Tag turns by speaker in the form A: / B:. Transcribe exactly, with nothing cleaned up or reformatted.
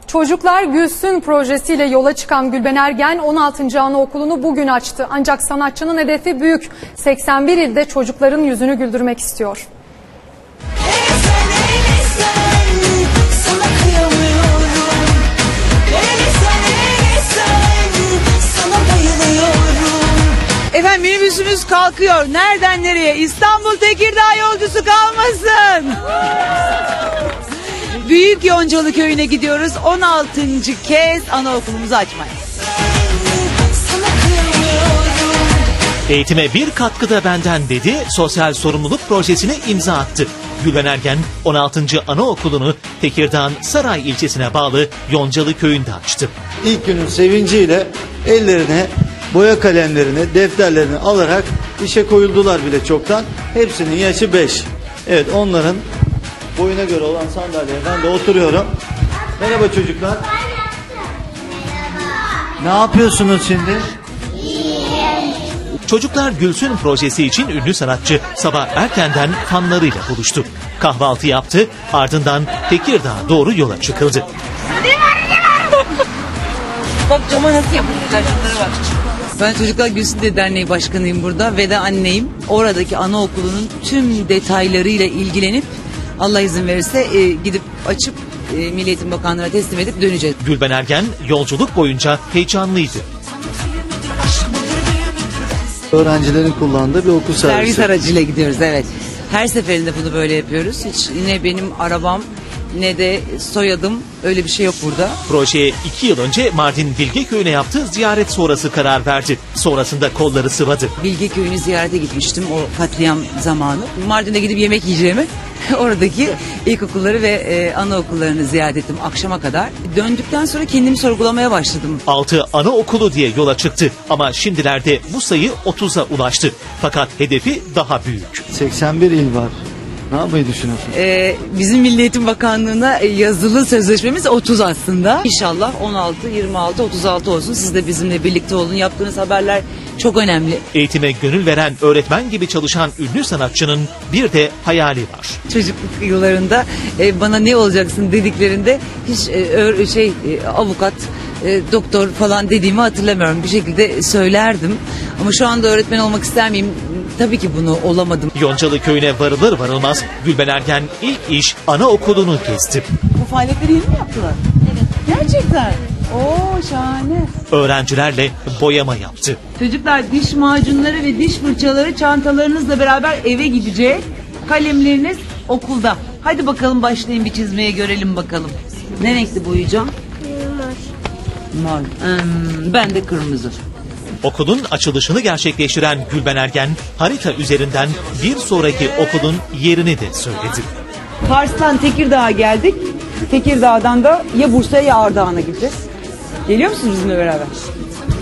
A: Çocuklar Gülsün projesiyle yola çıkan Gülben Ergen on altıncı Anaokulu'nu bugün açtı. Ancak sanatçının hedefi büyük. seksen bir ilde çocukların yüzünü güldürmek istiyor.
B: Efendim minibüsümüz kalkıyor. Nereden nereye? İstanbul Tekirdağ yolcusu kalmasın. Büyük Yoncalı Köyü'ne gidiyoruz. on altıncı kez anaokulumuzu açmaya.
C: Eğitime bir katkıda benden dedi, sosyal sorumluluk projesine imza attı. Gülben Ergen on altıncı Anaokulu'nu Tekirdağ'ın Saray ilçesine bağlı Yoncalı Köyü'nde açtı.
D: İlk günün sevinciyle ellerine boya kalemlerini, defterlerini alarak işe koyuldular bile çoktan. Hepsinin yaşı beş. Evet, onların boyuna göre olan sandalyeye ben de oturuyorum. Merhaba çocuklar. Ne yapıyorsunuz şimdi?
C: Çocuklar Gülsün projesi için ünlü sanatçı sabah erkenden fanlarıyla buluştu. Kahvaltı yaptı, ardından Tekirdağ'a doğru yola çıkıldı.
B: Bak cama nasıl yapıyorlar, şunlara bak. Ben Çocuklar Gülsün de Derneği Başkanıyım burada ve de anneyim. Oradaki anaokulunun tüm detaylarıyla ilgilenip Allah izin verirse e, gidip açıp e, Milli Eğitim Bakanlığı'na teslim edip döneceğiz.
C: Gülben Ergen yolculuk boyunca heyecanlıydı.
D: Öğrencilerin kullandığı bir okul servisi.
B: Servis aracıyla gidiyoruz, evet. Her seferinde bunu böyle yapıyoruz. Hiç ne benim arabam ne de soyadım, öyle bir şey yok burada.
C: Projeye iki yıl önce Mardin Bilgeköy'üne yaptığı ziyaret sonrası karar verdi. Sonrasında kolları sıvadı.
B: Bilgeköy'ünü ziyarete gitmiştim o katliam zamanı. Mardin'e gidip yemek yiyeceğimi oradaki ilkokulları ve e, anaokullarını ziyaret ettim akşama kadar. Döndükten sonra kendimi sorgulamaya başladım.
C: altı anaokulu diye yola çıktı ama şimdilerde bu sayı otuza ulaştı. Fakat hedefi daha büyük.
D: seksen bir il var. Ne yapmayı düşünüyorsunuz?
B: Ee, bizim Milli Eğitim Bakanlığı'na yazılı sözleşmemiz otuz aslında. İnşallah on altı, yirmi altı, otuz altı olsun. Siz de bizimle birlikte olun. Yaptığınız haberler çok önemli.
C: Eğitime gönül veren öğretmen gibi çalışan ünlü sanatçının bir de hayali var.
B: Çocukluk yıllarında e, bana ne olacaksın dediklerinde hiç e, ö, şey e, avukat, e, doktor falan dediğimi hatırlamıyorum. Bir şekilde söylerdim. Ama şu anda öğretmen olmak ister miyim? Tabii ki bunu olamadım.
C: Yoncalı Köyü'ne varılır varılmaz Gülben Ergen ilk iş anaokulunu kesti.
B: Bu faaliyetleri yeni mi yaptılar? Evet. Gerçekten. Oo, şahane.
C: Öğrencilerle boyama yaptı.
B: Çocuklar diş macunları ve diş fırçaları çantalarınızla beraber eve gidecek. Kalemleriniz okulda. Hadi bakalım başlayın bir çizmeye görelim bakalım. Ne renkli boyayacağım? Mor. Mor. Hmm, ben de kırmızı.
C: Okulun açılışını gerçekleştiren Gülben Ergen harita üzerinden bir sonraki okulun yerini de söyledi.
B: Kars'tan Tekirdağ'a geldik. Tekirdağ'dan da ya Bursa'ya ya Ardahan'a gideceğiz. Geliyor musunuz bizimle beraber?